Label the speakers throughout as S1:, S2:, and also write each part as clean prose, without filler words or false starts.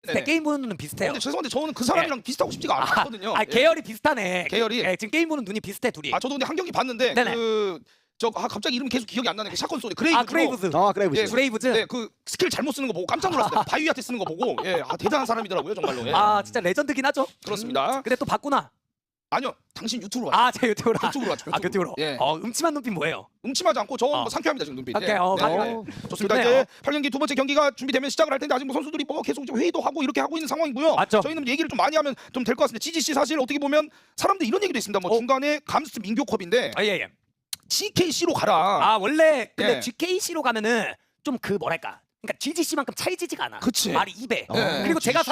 S1: 네. 게임 보는 눈은 비슷해요.
S2: 근데 죄송한데 저는 그 사람이랑 비슷하고 싶지가 않거든요.
S1: 계열이 비슷하네.
S2: 계열이.
S1: 지금 게임 보는 눈이 비슷해 둘이.
S2: 저도 근데 한 경기 봤는데
S1: 네네.
S2: 갑자기 이름 계속 기억이 안 나네. 그 샷건 소리 그레이브즈.
S1: 그레이브즈.
S3: 그레이브즈.
S2: 예,
S1: 브레이브즈.
S2: 네, 그 스킬 잘못 쓰는 거 보고 깜짝 놀랐어요. 바위한테 쓰는 거 보고. 예, 대단한 사람이더라고요, 정말로. 예.
S1: 진짜 레전드긴 하죠.
S2: 그렇습니다.
S1: 근데 또 봤구나.
S2: 아니요, 당신 유튜브로 왔죠.
S1: 제 유튜브로.
S2: 유튜브로 왔죠.
S1: 유튜브로.
S2: 예.
S1: 음침한 눈빛 뭐예요?
S2: 음침하지 않고 저 상쾌합니다 지금 눈빛.
S1: 오케이,
S2: 예.
S1: 맞아요.
S2: 좋습니다.
S1: 좋네요.
S2: 이제 8경기 두 번째 경기가 준비되면 시작을 할 텐데 아직 뭐 선수들이 뭐 계속 좀 회의도 하고 이렇게 하고 있는 상황이고요.
S1: 맞죠.
S2: 저희는 얘기를 좀 많이 하면 좀 될 것 같습니다. GGC 사실 어떻게 보면 사람들 이런 얘기도 있습니다. 뭐 중간에 감스트 민교컵인데
S1: 예.
S2: GKC로 가라.
S1: 원래 근데
S2: 예.
S1: GKC로 가면은 좀 그 뭐랄까. 그러니까 GGC만큼 차이지지가 않아.
S2: 그치.
S1: 말이 입에.
S2: 예.
S1: 그리고 제가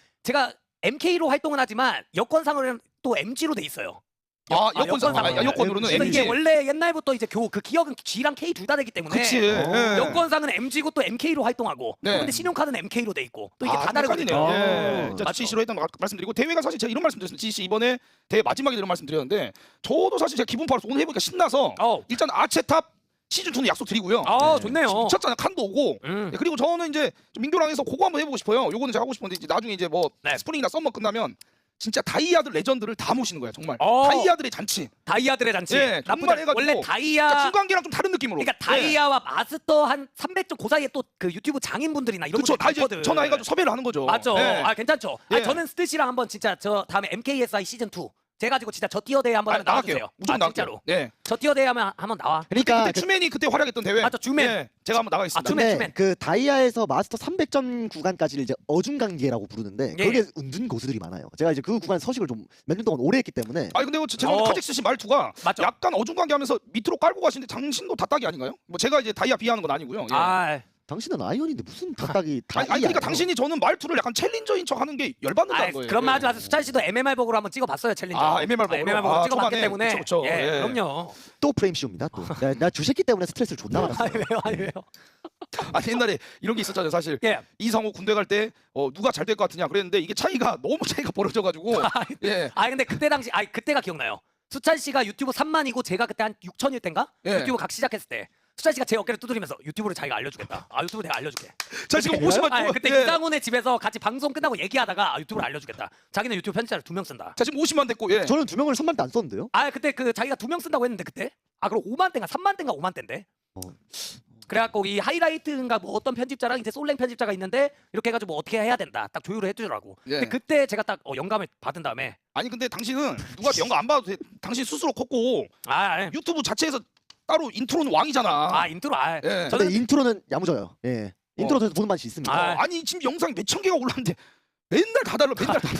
S1: MK로 활동은 하지만 여권상으로는 또 MG로 돼 있어요.
S2: 여권으로는
S1: 그래서
S2: MG.
S1: 이게 원래 옛날부터 이제 그 기억은 G랑 K 둘 다 되기 때문에
S2: 그치. 예.
S1: 여권상은 MG고 또 MK로 활동하고
S2: 네.
S1: 근데 신용카드는 MK로 돼 있고 또 이게 다 다르거든요.
S2: 예.
S1: 맞죠.
S2: GC로 했던 거 말씀드리고 대회가 사실 제가 이런 말씀드렸습니다. GC 이번에 대회 마지막에 이런 말씀드렸는데 저도 사실 제가 기분 팔아서 오늘 해보니까 신나서 일단 아체탑 시즌 2는 약속드리고요.
S1: 좋네요.
S2: 미쳤잖아요. 칸도 오고.
S1: 음.
S2: 예, 그리고 저는 이제 좀 민교랑 해서 그거 한번 해보고 싶어요. 요거는 제가 하고 싶은데 이제 나중에 이제 뭐
S1: 네.
S2: 스프링이나 썸머 끝나면 진짜 다이아들 레전드를 다 모시는 거야 정말.
S1: 어.
S2: 다이아들의 잔치.
S1: 다이아들의 잔치.
S2: 예, 정말 해가지고
S1: 원래 다이아
S2: 그러니까 중간계랑 좀 다른 느낌으로.
S1: 그러니까 다이아와 마스터 한 300점 그 사이에 또 그 유튜브 장인분들이나 이런
S2: 그렇죠.
S1: 분들
S2: 다 이제
S1: 많거든.
S2: 전화해가지고 섭외를 하는 거죠.
S1: 맞죠.
S2: 예.
S1: 괜찮죠.
S2: 예.
S1: 저는 스트시랑 한번 진짜 저 다음에 MKSI 시즌 2 제가 가지고 진짜 저 티어 대회 한번 하면
S2: 나갈게요.
S1: 나와주세요.
S2: 무조건
S1: 진짜로.
S2: 나갈게요. 네.
S1: 저 티어 대회 하면 한번 나와.
S3: 그러니까
S2: 그때 추맨이 그때 활약했던 대회.
S1: 맞죠, 주맨.
S2: 예, 제가 한번 나가겠습니다.
S1: 주맨.
S3: 근데 그 다이아에서 마스터 300점 구간까지를 이제 어중간계라고 부르는데
S1: 예.
S3: 거기에 은둔 고수들이 많아요. 제가 이제 그 구간 서식을 좀 몇 년 동안 오래 했기 때문에
S2: 아니 근데 죄송한데 카직스 씨 말투가
S1: 맞죠.
S2: 약간 어중간하면서 밑으로 깔고 가시는데 당신도 다따기 아닌가요? 뭐 제가 이제 다이아 비하하는 건 아니고요. 예.
S3: 당신은 아이언인데 무슨 다딱이 다이아.
S2: 아니 그러니까 당신이 저는 말투를 약간 챌린저인 척 하는 게 열받는다는 거예요.
S1: 그런 말 하지 마세요. 수찬 씨도 MMR 버그로 한번 찍어봤어요 챌린저.
S2: MMR 버그로?
S1: MMR 버그 찍어봤기
S2: 초반에.
S1: 때문에.
S2: 그쵸.
S1: 예,
S2: 예.
S1: 그럼요.
S3: 또 프레임 씌웁니다. 또. 나 주새끼 때문에 스트레스를 존나 받았어요.
S1: 왜요?
S2: 아니 옛날에 이런 게 있었잖아요. 사실
S1: 예.
S2: 이상호 군대 갈 때 누가 잘 될 것 같으냐 그랬는데 이게 너무 차이가 벌어져가지고 예.
S1: 근데 그때 당시 그때가 기억나요. 수찬 씨가 유튜브 3만이고 제가 그때 한 6천일 땐가?
S2: 예.
S1: 유튜브 각 시작했을 때 수찬 씨가 제 어깨를 두드리면서 유튜브를 자기가 알려주겠다. 유튜브 내가 알려줄게.
S2: 자 지금 50만
S1: 그때
S2: 예.
S1: 이상훈의 집에서 같이 방송 끝나고 얘기하다가 유튜브를 알려주겠다. 자기는 유튜브 편집자를 2명 쓴다.
S2: 자 지금 50만 됐고 예.
S3: 저는 2명을 선발 때 안 썼는데요.
S1: 그때 자기가 2명 쓴다고 했는데 그때? 그럼 5만 땐가 3만 땐가 5만 땐데.
S3: 어.
S1: 그래갖고 이 하이라이트인가 뭐 어떤 편집자랑 이제 솔랭 편집자가 있는데 이렇게 해가지고 뭐 어떻게 해야 된다 딱 조율을 해주더라고.
S2: 예.
S1: 근데 그때 제가 딱 영감을 받은 다음에
S2: 아니 근데 당신은 누가 영감 안 봐도 돼. 당신 스스로 컸고 유튜브 자체에서 따로 인트로는 왕이잖아.
S1: 인트로
S2: 예.
S3: 근데 인트로는 야무져요. 예. 인트로에서 보는 맛이 있습니다.
S2: 아니 지금 영상 몇천 개가 올랐는데 맨날 다 달라.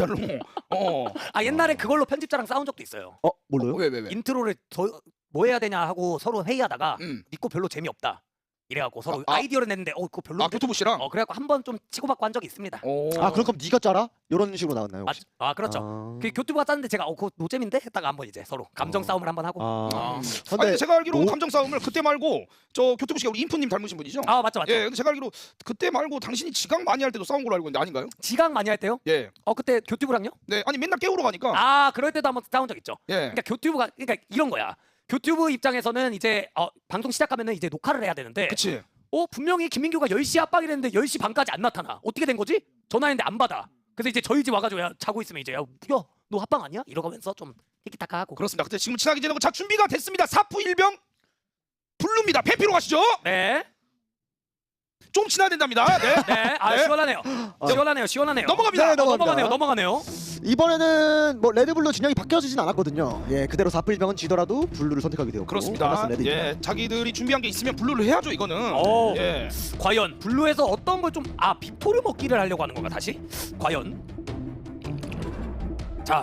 S1: 옛날에 그걸로 편집자랑 싸운 적도 있어요.
S3: 뭘로요?
S2: 왜?
S1: 인트로를 뭐 해야 되냐 하고 서로 회의하다가 믿고 별로 재미없다. 이래갖고 서로 아이디어를 냈는데 그거 별로.
S2: 교토부 씨랑.
S1: 그래갖고 한 번 좀 치고받고 한 적이 있습니다.
S3: 그럼 네가 짜라? 이런 식으로 나왔나요? 혹시?
S1: 그렇죠. 그 교투부가 짰는데 제가 그거 노잼인데 했다가 한번 이제 서로 감정 싸움을 한번 하고.
S2: 근데 제가 알기로 감정 싸움을 그때 말고 저 교토부 씨가 우리 인프님 닮으신 분이죠?
S1: 맞죠.
S2: 예, 근데 제가 알기로 그때 말고 당신이 지각 많이 할 때도 싸운 걸로 알고 있는데 아닌가요?
S1: 지각 많이 할 때요?
S2: 예.
S1: 그때 교투부랑요?
S2: 네, 아니 맨날 깨우러 가니까.
S1: 그럴 때도 한번 싸운 적 있죠.
S2: 예.
S1: 그러니까 교투부가 이런 거야. 교투부 입장에서는 이제 방송 시작하면은 이제 녹화를 해야 되는데.
S2: 그치.
S1: 분명히 김민규가 10시 압박이랬는데 10시 반까지 안 나타나. 어떻게 된 거지? 전화했는데 안 받아. 그래서 이제 저희 집 와가지고 자고 있으면 이제 너 합방 아니야? 이러면서 좀 티키타카 하고.
S2: 그렇습니다. 그때 지금 친하게 지내고 자 준비가 됐습니다. 사프 일병 블루입니다. 배피로 가시죠.
S1: 네.
S2: 좀 친해야 된답니다. 네.
S1: 네. 시원하네요.
S2: 넘어갑니다.
S3: 네,
S1: 넘어가네요.
S3: 이번에는 뭐 레드블루 진영이 바뀌어지진 않았거든요. 예, 그대로 사플병은 지더라도 블루를 선택하게 되었고.
S2: 그렇습니다. 예, 자기들이 준비한 게 있으면 블루를 해야죠. 이거는. 예.
S1: 과연 블루에서 어떤 걸 좀 빅토르 먹기를 하려고 하는 건가 다시? 과연. 자.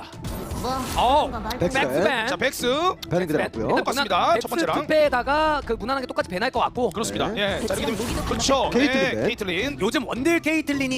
S1: 백스밴.
S2: 자, 백스.
S3: 배는 그대로 왔고요.
S2: 똑같습니다. 첫 번째랑.
S1: 투패에다가 그 무난하게 똑같이 배날 것 같고.
S2: 그렇습니다.
S3: 네.
S2: 예. 자, 이렇게 되면 그렇죠.
S3: 케이틀린.
S2: 케이틀린.
S1: 요즘 원딜 케이틀린이